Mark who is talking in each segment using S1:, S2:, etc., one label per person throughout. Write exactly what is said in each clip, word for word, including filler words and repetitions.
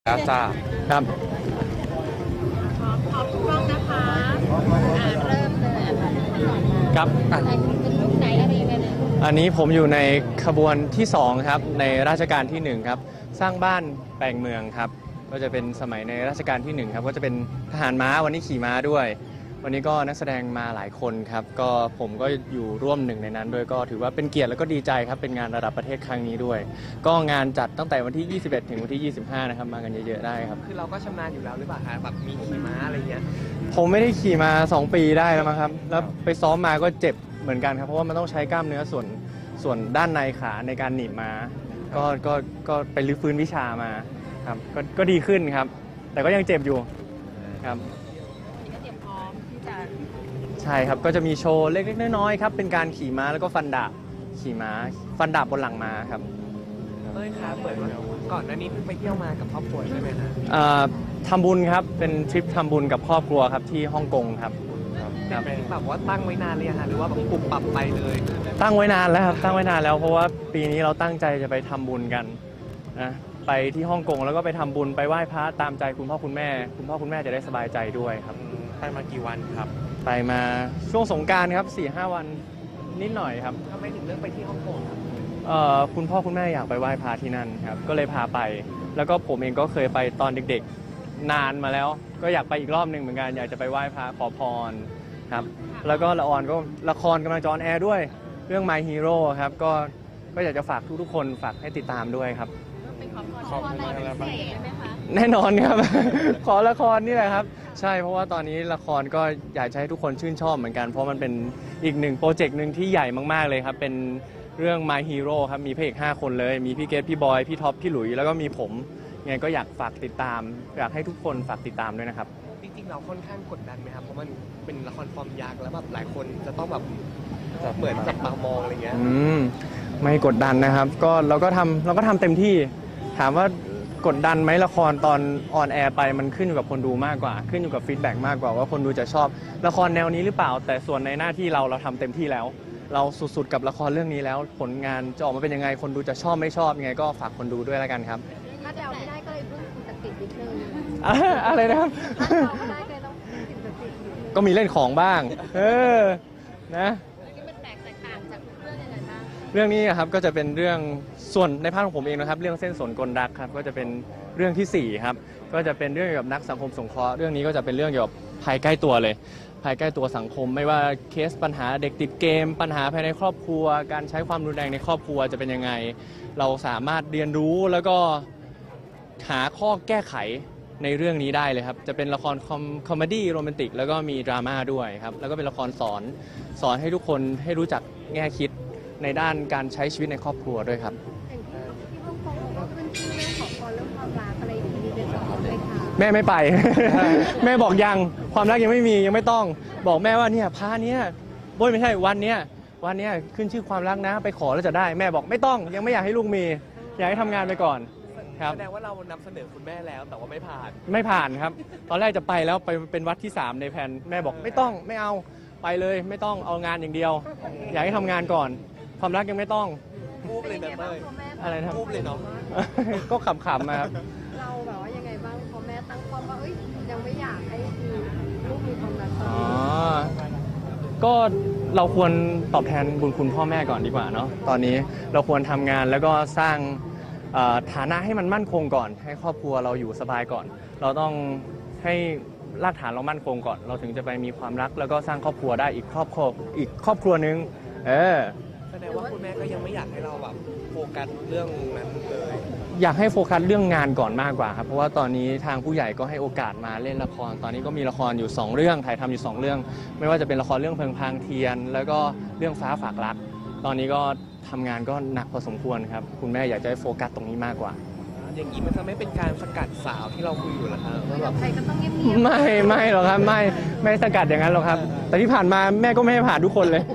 S1: แล้วจ้าครับ
S2: พร้อมพร้อมทุกรอบนะคะอ่าเริ่มเลย
S1: ครับ
S2: อ่ะเป็นลูกไหนอะไรยังไงนะ
S1: อันนี้ผมอยู่ในขบวนที่สองครับในราชการที่หนึ่งครับสร้างบ้านแปลงเมืองครับก็จะเป็นสมัยในราชการที่หนึ่งครับก็จะเป็นทหารม้าวันนี้ขี่ม้าด้วยวันนี้ก็นักแสดงมาหลายคนครับก็ผมก็อยู่ร่วมหนึ่งในนั้นด้วยก็ถือว่าเป็นเกียรติแล้วก็ดีใจครับเป็นงานระดับประเทศครั้งนี้ด้วยก็งานจัดตั้งแต่วันที่ยี่สิบเอ็ดถึงวันที่ยี่สิบห้านะครับมากันเยอะๆได้ครับ
S3: คือเราก็ชำนาญอยู่แล้วหรือเปล่าคะแบบมีขี่ม้าอะไรเงี้ย
S1: ผมไม่ได้ขี่มาสองปีได้แล้วมั้งครับแล้วไปซ้อมมาก็เจ็บเหมือนกันครับเพราะว่ามันต้องใช้กล้ามเนื้อส่วนส่วนด้านในขาในการหนีบม้าก็ก็ก็ไปรื้อฟื้นวิชามาครับก็ก็ดีขึ้นครับ แต่ก็ยังเจ็บอยู่ครับ
S2: ก็เตรียมพร้อมที่จะ
S1: ใช่ครับก็จะมีโชว์เล็กๆน้อยๆครับเป็นการขี่ม้าแล้วก็ฟันดาบขี่ม้าฟันดาบบนหลังม้าครับ
S3: เอ้ยครับเหมือนว่าก่อนหน้านี้เพิ่งไปเที่ยวมากับครอบครัวใช่ไหมฮะ
S1: เอ่อทำบุญครับเป็นทริปทำบุญกับครอบครัวครับที่ฮ่องกงครับครับ
S3: เป็นแบบว่าตั้งไว้นานเลยฮะหรือว่าแบบปรับปรับไปเลย
S1: ตั้งไว้นานแล้วครับตั้งไว้นานแล้วเพราะว่าปีนี้เราตั้งใจจะไปทำบุญกันนะไปที่ฮ่องกงแล้วก็ไปทำบุญไปไหว้พระตามใจคุณพ่อคุณแม่คุณพ่อคุณแม่จะได้สบายใจด้วยครับ
S3: ไปมากี่วันครับ
S1: ไปมาช่วงสงกรานต์ครับ สี่ห้า วันนิดหน่อยครับ
S3: ทำไมถึงเลือกไปที่ฮ่องกงครับ
S1: เอ่อคุณพ่อคุณแม่อยากไปไหว้พระที่นั่นครับก็เลยพาไปแล้วก็ผมเองก็เคยไปตอนเด็กๆนานมาแล้วก็อยากไปอีกรอบหนึ่งเหมือนกันอยากจะไปไหว้พระขอพรครับแล้วก็ละครก็ละครกำลังจะออนแอร์ด้วยเรื่อง My Hero ครับก็ก็อยากจะฝากทุกๆคนฝากให้ติดตามด้วยครับ
S2: เป็นขอพรอะไรพิเศษไหมคะ
S1: แน่นอนครับ ขอละครนี่แหละครับใช่เพราะว่าตอนนี้ละครก็อยากจะให้ทุกคนชื่นชอบเหมือนกันเพราะมันเป็นอีกหนึ่งโปรเจกต์หนึ่งที่ใหญ่มากๆเลยครับเป็นเรื่อง My Hero ครับมีพระเอกห้าคนเลยมีพี่เกตพี่บอยพี่ท็อปพี่หลุยแล้วก็มีผมยังไงก็อยากฝากติดตามอยากให้ทุกคนฝากติดตามด้วยนะครับ
S3: จริงๆเราค่อนข้างกดดันไหมครับเพราะมันเป็นละครฟอร์มยักษ์แล้วแบบหลายคนจะต้องแบบเหมือนจับตามองอะไรเงี้ย
S1: อืมไม่กดดันนะครับก็เราก็ทำเราก็ทำเต็มที่ถามว่ากดดันไหมละครตอนออนแอร์ไปมันขึ้นอยู่กับคนดูมากกว่าขึ้นอยู่กับฟีดแบ็กมากกว่าว่าคนดูจะชอบละครแนวนี้หรือเปล่าแต่ส่วนในหน้าที่เราเราทำเต็มที่แล้วเราสุดๆกับละครเรื่องนี้แล้วผลงานจะออกมาเป็นยังไงคนดูจะชอบไม่ชอบยังไงก็ฝากคนดูด้วยแล้วกันครับ
S2: ถ้าเดาไม่ได้ก็เลยพึ่งสิ่งศักดิ์สิทธิ์นิดนึง
S1: อะไรนะครับ
S2: ถ้าเดาไม่ได้ก็เลยต้องพึ่งสิ่งศักดิ์สิทธิ์
S1: ก็มีเล่นของบ้างเออนะ
S2: นี่มันแตกต่างจากเรื่องยังไงบ้าง
S1: เรื่องนี้ครับก็จะเป็นเรื่องส่วนในภาคของผมเองนะครับเรื่องเส้นสนกลรักครับก็จะเป็นเรื่องที่สี่ครับก็จะเป็นเรื่องเกี่ยวกับนักสังคมสงเคราะห์เรื่องนี้ก็จะเป็นเรื่องเกี่ยวกับภัยใกล้ตัวเลยภัยใกล้ตัวสังคมไม่ว่าเคสปัญหาเด็กติดเกมปัญหาภายในครอบครัวการใช้ความรุนแรงในครอบครัวจะเป็นยังไงเราสามารถเรียนรู้แล้วก็หาข้อแก้ไขในเรื่องนี้ได้เลยครับจะเป็นละครคอมเมดี้โรแมนติกแล้วก็มีดราม่าด้วยครับแล้วก็เป็นละครสอนสอนให้ทุกคนให้รู้จักแง่คิดในด้านการใช้ชีวิตในครอบครัวด้วยครับ
S2: ที่ฮ่องกงก็ขึ้นชื่อเรื่องของคนเรื่องความรักอะไรอย่างนี้เป็นสองเลยค่ะ
S1: แม่ไม่ไป แม่บอกยังความรักยังไม่มียังไม่ต้องบอกแม่ว่าเนี่ยพาเนี้ยโบยไม่ใช่วันเนี้ยวันเนี้ยขึ้นชื่อความรักนะไปขอแล้วจะได้แม่บอกไม่ต้องยังไม่อยากให้ลูกมีอยากให้ทำงานไปก่อนครับ
S3: แสดงว่าเรานำเสนอคุณแม่แล้วแต่ว่าไม่ผ่าน
S1: ไม่ผ่านครับตอนแรกจะไปแล้วไปเป็นวัดที่สามในแผนแม่บอกไม่ต้องไม่เอาไปเลยไม่ต้องเอางานอย่างเดียวอยากให้ทำงานก่อนความรักยังไม่ต้อง
S3: พูดเลยนะเต้ย
S1: อะไรนะ
S3: พูดเลยเนาะ
S1: ก็ขำๆนะครับ
S2: เราแบบว่ายังไงบ้างพอแม่ตั้งความว่าเอ้ยยังไม่อยากให้ลูกมีความรักตอน
S1: นี้ก็เราควรตอบแทนบุญคุณพ่อแม่ก่อนดีกว่าเนาะตอนนี้เราควรทำงานแล้วก็สร้างฐานะให้มันมั่นคงก่อนให้ครอบครัวเราอยู่สบายก่อนเราต้องให้รากฐานเรามั่นคงก่อนเราถึงจะไปมีความรักแล้วก็สร้างครอบครัวได้อีกครอบครัวอีกครอบครัวนึงเออ
S3: แสดงว่าคุณแม่ก็ยังไม่อยากให้เราแบบโฟกัสเรื่องนั้นเลย
S1: อยากให้โฟกัสเรื่องงานก่อนมากกว่าครับเพราะว่าตอนนี้ทางผู้ใหญ่ก็ให้โอกาสมาเล่นละครตอนนี้ก็มีละครอยู่สองเรื่องถ่ายทำอยู่สองเรื่องไม่ว่าจะเป็นละครเรื่องเพลิงพรางเทียนแล้วก็เรื่องฟ้าฝากรักตอนนี้ก็ทำงานก็หนักพอสมควรครับคุณแม่อยากจะให้โฟกัสตรงนี้มากกว่า
S3: อย่างนี้มันจะไม่เป็นการสกัดสาวที่เราคุยอยู่หรอครับ
S2: ว่าแบบใครก็ต้องเงียบ
S1: ๆไม่ไม่หรอกครับไม่ไม่สกัดอย่างนั้นหรอกครับแต่ที่ผ่านมาแม่ก็ไม่ให้ผ่านทุกคนเลย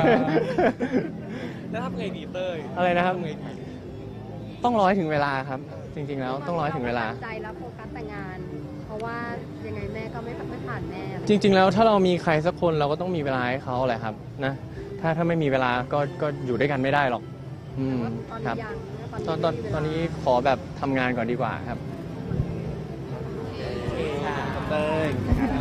S3: แล้วทำไงดีเต้ย
S1: อะไรนะครับต้องรอให้ถึงเวลาครับจริงๆแล้วต้องรอให้ถึงเวลา
S2: ใจแล้วโฟกัสแต่งานเพราะว่ายังไงแม่ก็ไม่ไม่ผ่านแม่
S1: จริงๆแล้วถ้าเรามีใครสักคนเราก็ต้องมีเวลาให้เขาแหละครับนะถ้าถ้าไม่มีเวลาก็ก็อยู่ด้วยกันไม่ได้หรอกอืมครับตอนตอนตอนนี้ขอแบบทำงานก่อนดีกว่าครับ
S3: ง